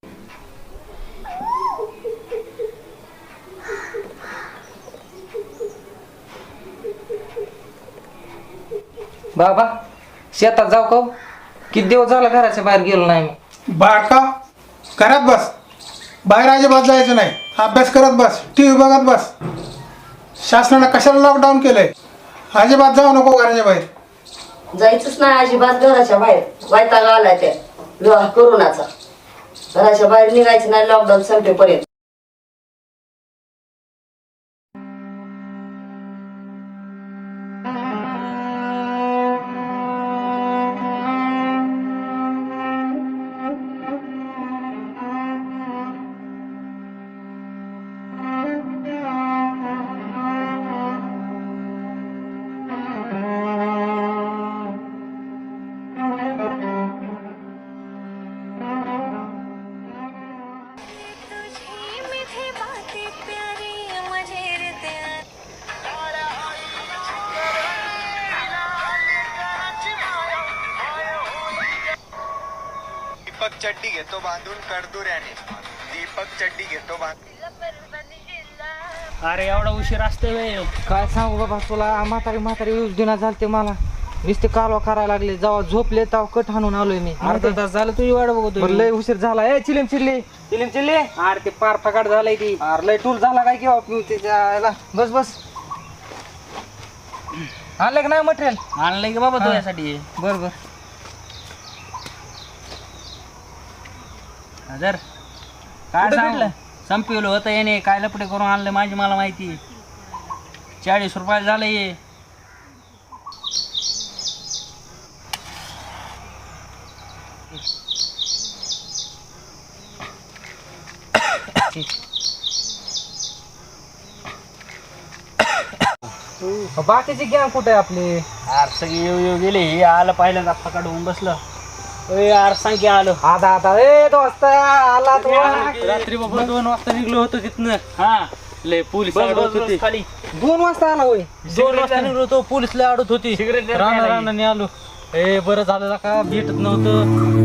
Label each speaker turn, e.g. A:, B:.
A: बाबा शेतात जाऊ का? किती दिवस झाला घराच्या बाहेर गेलो नाही मी.
B: बाका घरात बस, बाहेर अजिबात जायचं नाही. अभ्यास करत बस, TV बघत बस. शासनानं कशाला लॉकडाऊन केलंय? अजिबात जाऊ नको घराच्या बाहेर.
C: जायचंच नाही अजिबात घराच्या बाहेर. वैताग आलाय त्या कोरोनाचा. घराच्या बाहेर निघायचं नाही लॉकडाऊन संपेपर्यंत.
D: दीपक चड्डी घेतो बांधून कडदुऱ्याने. दीपक चड्डी घेतो बांधून.
E: अरे एवढा उशीर असते वेळ.
A: काय सांगू बाबा तुला, म्हातारी यूज दिना झालते मला. नुसते कालवा करायला लागले. जेव्हा झोपले तेव्हा कट हाणून आलोय मी.
E: अर्धा तास झालं तुझी वाट बघतो.
A: लय उशीर झाला. ए चिलिम चिल्ली
E: अरे ते पार फकाट झालाय ती.
A: अरे लय टूल झाला काय किंवा त्याला. बस आणलं का नाही मटेरियल?
E: आणलंय की बाबा तुझ्यासाठी.
A: बर
E: जर काय
A: कुठं
E: सांगलं
A: भेटलं?
E: संपवलं होतं याने. काय लपडे करून आणलं माझी मला माहिती. 40 रुपये झालं ये.
A: बाकीची गॅंग कुठे आहे आपली?
E: अरे सगळी येऊ गेले. हे आलं पाहिलं फकाट होऊन बसलं. यार सांग की आलो.
A: आता ए दोस्त आला तू.
E: रात्री बाबा 2 वाजता निघलो होतो तिथनं. हा लय पोलीस अडवत होते खाली.
A: 2 वाजता आला होय?
E: 2 वाजता निघलो होतो. पोलीस लय अडवत होती. रानाने आलो. ए बरं झालं का भेटत नव्हतं.